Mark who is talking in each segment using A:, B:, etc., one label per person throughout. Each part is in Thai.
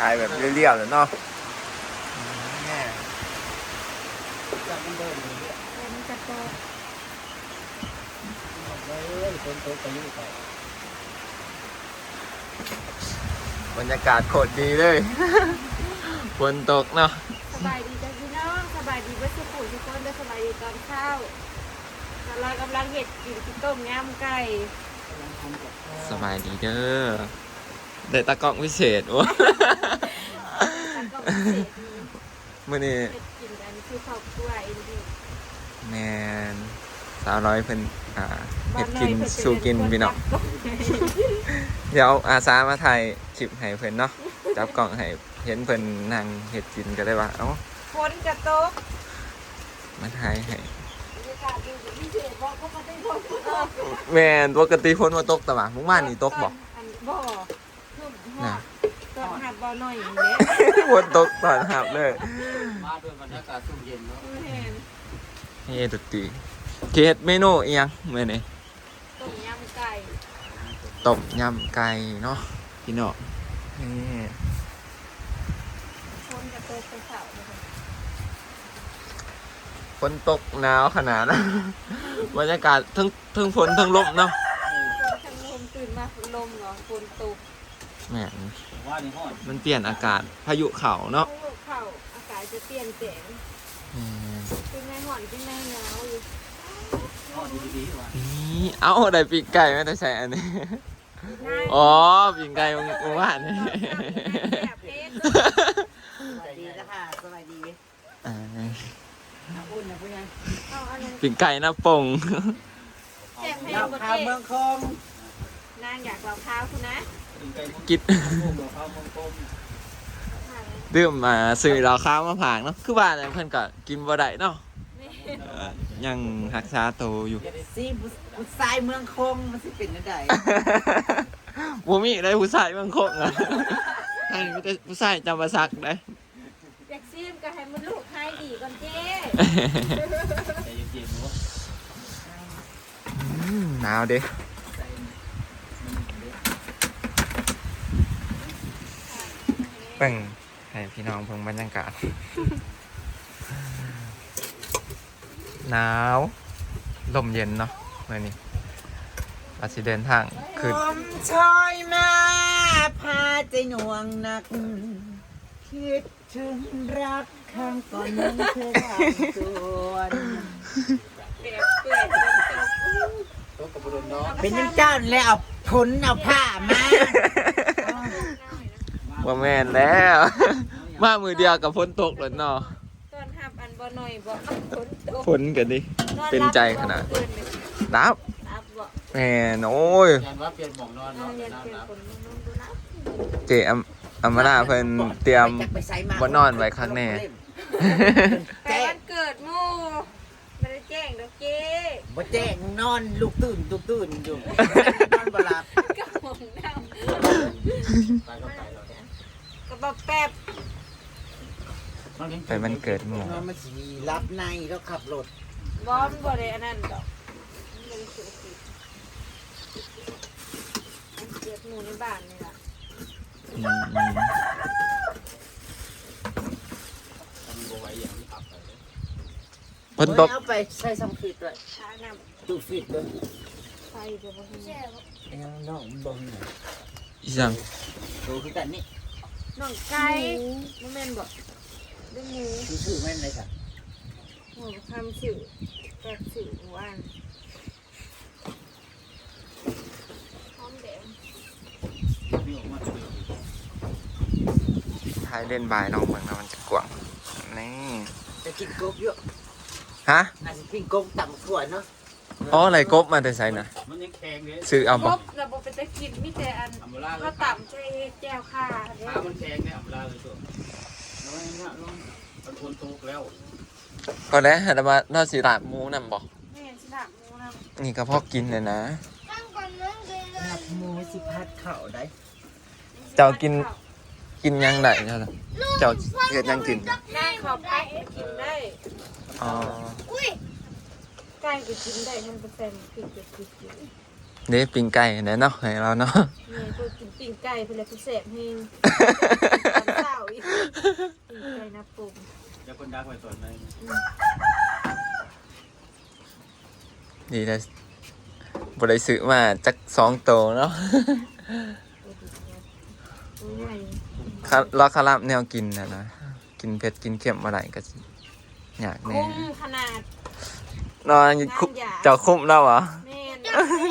A: ายแบบเรียวๆเลยเนาะ
B: จับมันเดินอยู่เนี่ย
C: มันจะโต
B: เลยคนโตไปยุ่งไป
A: บรรยากาศโคตรดีเลย ฝนตกเนาะ
C: สบายดีจ้ะพี่น้องสบายดีวัสดุทุกคนได้สบายดีตอนเช้าเรากำลังเห็ดกินต้มยำไก่
B: กำลังทำกับข้าว
A: สบายดีเด้อเด็ดตะกล้องพิเศษวะ
C: แล้วก็พิเศษ
A: มื่อนี้
C: เห็ดกินอันนี้คือข้าวกล้วยอินดี้
A: แมนสาวน้อยเพิ่นเฮ็ดกินสู่กินพี่น้องเดี๋ยวอาสามาถ่ายคลิปให้เพิ่นเนาะจับกล้องให้เห็นเพิ่นนั่งเฮ็ดกินก็เลยว่าเอ้า
C: ฝนจะตก
A: มาถ่ายให้
C: บรรยากาศดีพิเศษเพราะเขาไม่ได้ฝนตก
A: แม่นปกติฝนบ่ตกแต่ว่าเมื่อวานนี่ตกบ่
C: อันบ่คือหอดตอนหัดบ่หน่อยอย่างเงี้ย
A: ฝนตกตอนหับเลย
B: มาด้วยบรรยากาศสุ่มเย็นเนาะ
C: เห็น
A: เฮ็ดดนตรีเฮ็ดเมนูอีหยังมื้อนี้
C: ต้มยำไก่
A: ต้มยำไก่เนาะพี่น้องนี่
C: ฝนจะตกไปเสาร์เลยค่ะ
A: ฝนตกหนาวขนาดนั้น บรรยากาศทั้งฝนทั้งลมเนาะ
C: ทางลมตื่นมาฝนลมเหรอฝนตก
A: แหม่
B: ว่าในห้อง
A: มันเปลี่ยนอากาศพายุเข่าเนาะ
C: เข้าอากาศจะเปลี่ยนแปลงขึ้นในห่อนขึ้นในหนาวอยู่
B: ห้องดีๆว่ะ
A: นี่เอาได้ปีกไก่ไม่ได้ใส่อันนี้ อ๋อปีกไก่เมื่อวานนี่
C: แบบเอ๊ะ
B: สวัสดีนะค่ะสวัสดี
A: อ่า
B: น้ำอุ่นนะพี่ยัง
C: เอาอะไร
A: ปีกไก่หน้าปง
C: แจกให้
B: เรา
C: หมด
B: ข้าว
C: เจ๊
B: เมืองคง
C: นางอยากเราข้าวคุณนะ
A: กิด
B: ข้าวเมืองคง
A: ดื่มมาซื้อเราข้าวมาผางเนาะคือว่าแต่เพื่อนก็กินบ่ได้เนาะยังรักษาตัวอยู่
B: ซีบุษายเมืองคงมันสิเป็นอะไร
A: บ่มีได้ผู้ชายบางคนอ่ะท่านมีแต่ผู้ชายจำประสักได้
C: แจ็กซี่ก็ให้มันลูกให้ดีก่อนเจ๊
B: ใจเย็นๆเนาะ
A: หนาวเด้เป่งให้พี่น้องเพิ่งบรรยากาศ หนาวลมเย็นเนาะเมื่อนี้เราสิเดินทางขึ้น
B: ผมชอยมาพาใจหน่วงหนัก คิดถึงรักข้างก่อนนั้นเธอทำส่วน
C: เปียกเปื่อยฝนตก
B: เป็นยังเจ้าแล้วเอาผลเอาผ้ามา
A: ว่าแม่นแล้ว มามือเดียวกับฝนตกเลยเนาะ
C: ตอนหับอันบ่หน่อยบ่ฝนตก
A: ฝนกันดิ เป็นใจขนาด นับ
C: รับบ่
A: แม่นโอ้ย
B: ยันว่าเปลี่ยนหมองนอน
C: เอา
B: เนาะ
C: เรียนเปลี่ยนคนนอนดูนะ
A: เจอัมมาลาเพิ่นเตรียมบ่นอนไว้ข้างแน่
C: ไปวันเกิดหมู่ไม่ได้แจ้งดอกเจ๊
B: บ่แจ้งนอนลูกตื่นอยู่นอนบ่หลับ
C: ก็มองหน้า
B: ไปก็ไปแล้ว
C: ก็บอกแป๊บ
A: ไปมันเกิดหมู่
B: นอนมันสิรับในแล้วขับรถ
C: บอมบ่ได้อันนั้นดอกมันบ่ได้เสียสิอันเกิดหมู่ในบ้านนี่ล่ะ
A: อืมฝนตก
B: เอาไปใส่ซัมฟิตด้วย
C: ช้าน้
B: ดูฟิตด้วย
C: ำไฟเดี๋ยวบ่เห็น
B: ไอ้น้องมันบ่เห็น
A: อีสัง
B: ดูคือกันนี่
C: น้องไก่บ่แม่นบ่ได้หมู
B: คือชื่อแม่นเลยค่ะ
C: หมูทำสิวแปลกสิวหมู่อันหอมแดง
A: ท้ายเล่นบายน้องเมืองนะมันจะกว้างนี่
B: จะกินกบเยอะ
A: ฮะ
B: อาจจะกินกบต่ำถั่วเนาะ
A: อ๋ออะไรกบมาแต่ไสนะ
B: มันยังแข็งเลย
A: ซื้อเอา
C: ค
A: บ่
C: รบแล้วบ่เป็นตะกินมีแต่อันข้าวต่ำใช้แจ่วข่าเด้
B: ขามันแข็งเนี่ยอัมราเลยตัวน้อยนะน้องมันคนทุกแล้ว
A: ก็แล้วหันมาเนาสิลาบหมูนำบ่
C: แม่นสิลาบหมูนำ
A: นี่ก็พอกินเลยนะ
B: ลาบหมูสิพัดเข่าได้
A: เจ้ากินยังได้เจ้าล่ะเจ้าเฮ็ดยังกิน
C: ได้ขอบไปกินได้
A: อ๋อ
C: ไก่ก็กินได้มันเป็นพริกก็กิน
A: นี่ปิ้งไก่แน่เนาะให้เราเนาะ
C: เนี่ยกูกินปิ้งไก่เพื่อพิเศษเฮงตอนเช้าอีกปิ้งไก่นะปุ่ม
B: เดี๋ยวคนดักไว้ส่วนเลย
A: ดีแต่บ่ได้ซื้อมาจัก2โตเนาะ
C: ตัวใหญ่
A: รอคารับแนวกินนะกินเผ็ดกินเค็มอะไรก็สิอยากแน่
C: คุ้มขนาด
A: นอนคุเจ้าคุ้มแล้วเหรอ
C: แม่น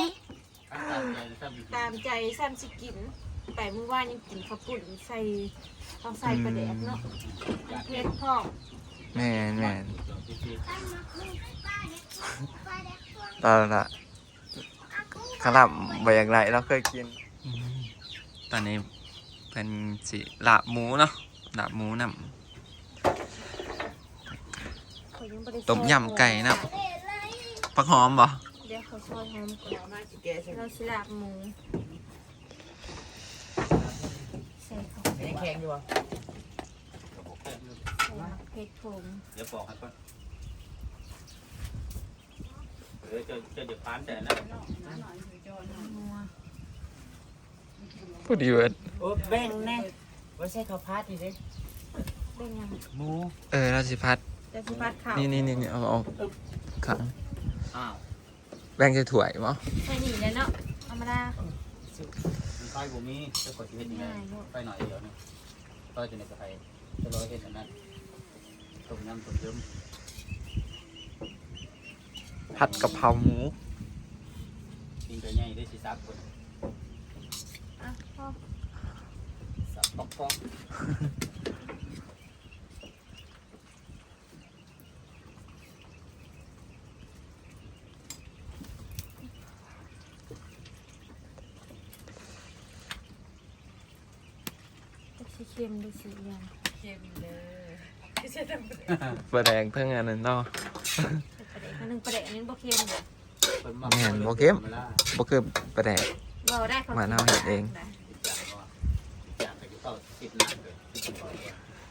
C: ตามใจซ้ำสิกินแต่เมื่อวานยังกินข้าวปุ่นใส่ต้องใส่ปลาแดกเนาะเผ็ดพอก
A: แม่นตอนละคารับบ่อยากไรเราเคยกินตอนนี้เป็นสิลาบหมูเนาะลาบหมูน้ำต้มยำไก่น้ำผักหอมบ่
C: เดี๋ยวเขาซอยหอมก่อน
B: มาจิแกใช่ไหม
C: เราสิลาบหมูใส่ข้าว
B: ไอ้แข็งอยู่วะ
C: ใส่มะเขือผง
B: เดี๋ยวบอกให้ก่อนเดี๋ยวจะเดี๋ยวพานแต่นะ
C: นัว
A: พูดดีเวิร์ด
B: โอ้แบ่งแน่ว่าใช่ข้าวพัดนี่สิ
C: เป็นยัง
B: หมู
A: เราสิพัด
C: จะสิพัดข้าว
A: นี่เอาขัง
B: อ้าว
A: แบ่งจะถ่วยมั้ง
C: ใส่หนีเลยเนาะธรรมดา
B: มีไฟบุมีจะกดชีวิตนี้ไฟหน่อยเดี๋ยวนี้ก็จะในกระไฟจะรอเห็นอันนั้นต้มยำต้มย
A: ผัดกะเพราหมู
B: ำกินไปง่ายได้สิซับคน
C: อ่ะพ่อ
B: ซับปอกปอก
C: จะสิเค็มดูสิยัง
A: ปลาแดงเพิ่งอันนั้นเนาะ
C: ใส่ปลาแดกอันนึงปลาแดกอันนี้บ่เค็มเด้อ
A: แม่นบ่เข้ม บ่คือปลาแดง
C: เราได้เขา
A: มาเอาเห็ดเอง
B: อยากไปเข้าติดหนักเลยติดบ่อยเลย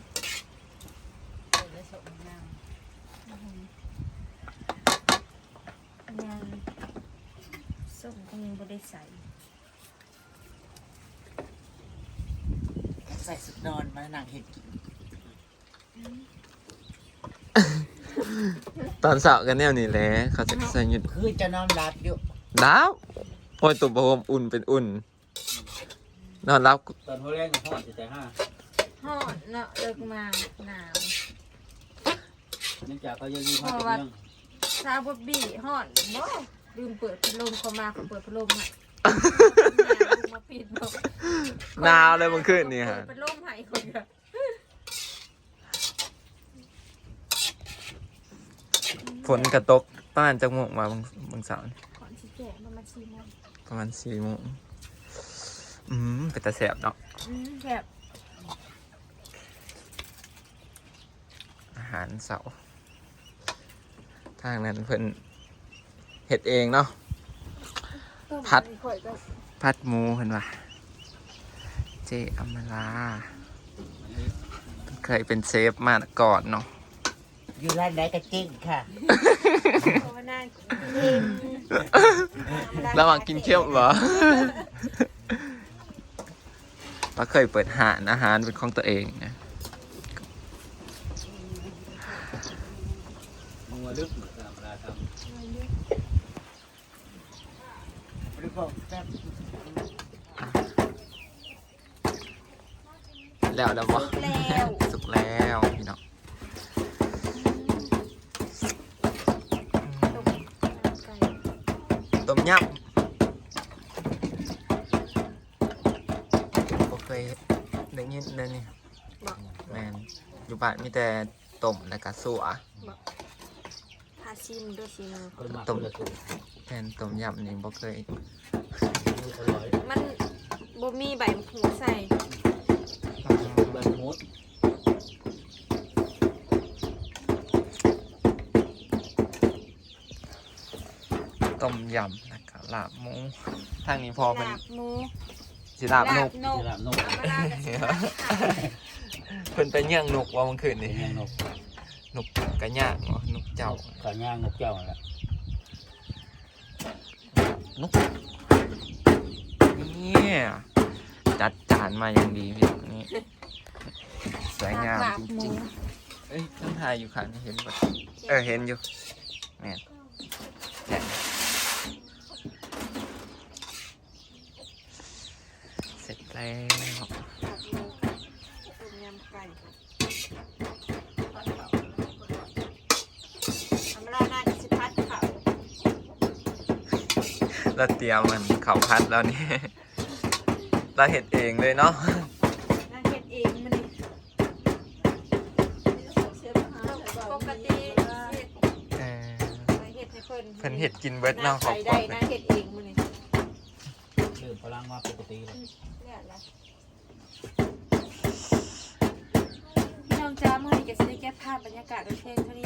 C: ยังส้มก็ยังบ่ได้ใส่
B: ใส่สุดนอนมานั่งเห็ดกิน
A: ตอนเสาร์กันแนวนี้แหละเขาจะใส่หยุด
B: คือจะนอนหลับอยู่
A: ดาวโอ้ยตุ่มประโคมอุ่นเป็นอุ่น นอนรับ
B: ตอนหัวแรงของพ่อจะใจห้า
C: ฮอดเนาะเลิกมาหนาว
B: เนื่องจากเขายังมีความเป็นเรื่อง
C: ซาบบบี้ฮอดบ่ลืมเปิดพัดลมเข้ามาเขาเปิดพัดลมให้มาปิดบ่
A: หนาวเลยเมื่อคืนนี่ฮะ
C: เปิดพัดลมให้คนก็
A: ฝนกระตกประมาณจักโมงมาบางเสาร์นี่
C: ก่อนสิแก่มันมา4โมง
A: ประมาณ4 โมงเป็นตาแสบเนาะ
C: แบบ
A: อาหารเสาร์ทางนั้นเพิ่นเฮ็ดเองเนาะ ผัด
C: ข่อยก็
A: ผัดหมูเพิ่นว่าเจอมราเคยเป็นเชฟมาก่อนเนาะ
B: อยู่ร้านไหนก็จริงค่ะ
C: ภาวนาเอง
A: ระหว่างกินเคี้ยวเหรอ ป้าเคยเปิดหานอาหารเป็นของตัวเองนะ
B: มัวลึกเหมือนธรรมดาครับหรือเปล่าแป๊บ
A: แล้วบ่
C: แล้ว
A: สุกแล้วพี่น้อง ต้มยำบ่เคยได้ยินเลยนี่
C: บอก
A: แมนอยู่บ้านมีแต่ต้มแล้วก็สัว
C: พาชิมด้วยชิม
B: คนมาคนละสูตร
A: แทนต้มยำนี่บ่เคย
B: อร่อย
C: มันบ่มีใบมะกรูดใส่
B: ใบมด
A: ต้มยำแล้วก็ลาบหมูทางนี้พอเป็น
C: ลาบหมู
A: สิลาบนก
C: นก
B: ที่ลาบนก
C: ธรรมดากับสิลาบไก่
A: เพิ่นไปย่างนกว่าเมื่อคืน
B: เป็น
A: นี่
B: ยังนก
A: นกกระย่างเหรอนกเจ้า
B: ขาย่างนกเจ้าแหละ
A: นกนี่จัดจานมาอย่างดีพี่น้องนี่สวยงามจริงๆเอ้ยต้องถ่ายอยู่ค่ะเห็นปะเห็นอยู่แม่นเนี่ยเสร็จแล้ว
C: ต้มยำไก่ธรรมดาน่าจะสิพัดเขา
A: เราเตรียมมันเขาพัดแล้วนี่เราเห็ดเองเลยเนาะ
C: น่าเฮ็ดเองมันนี่ปกติเฮ็ดไปเฮ็ดให้เพิ่น
A: เพิ่นเห็ดกินเบิดเนาะขอบ
C: ใส่
A: คุ
C: ได้
A: ณ
C: น่าเฮ็ดเองมันนี่
B: ลืมพลังว่าปกติเลย
C: เนี่ยล่ะพี่น้องจ้าเมื่อนี้ก็สิได้แก้ภาพบรรยากาศโดยเพลงเท่านี้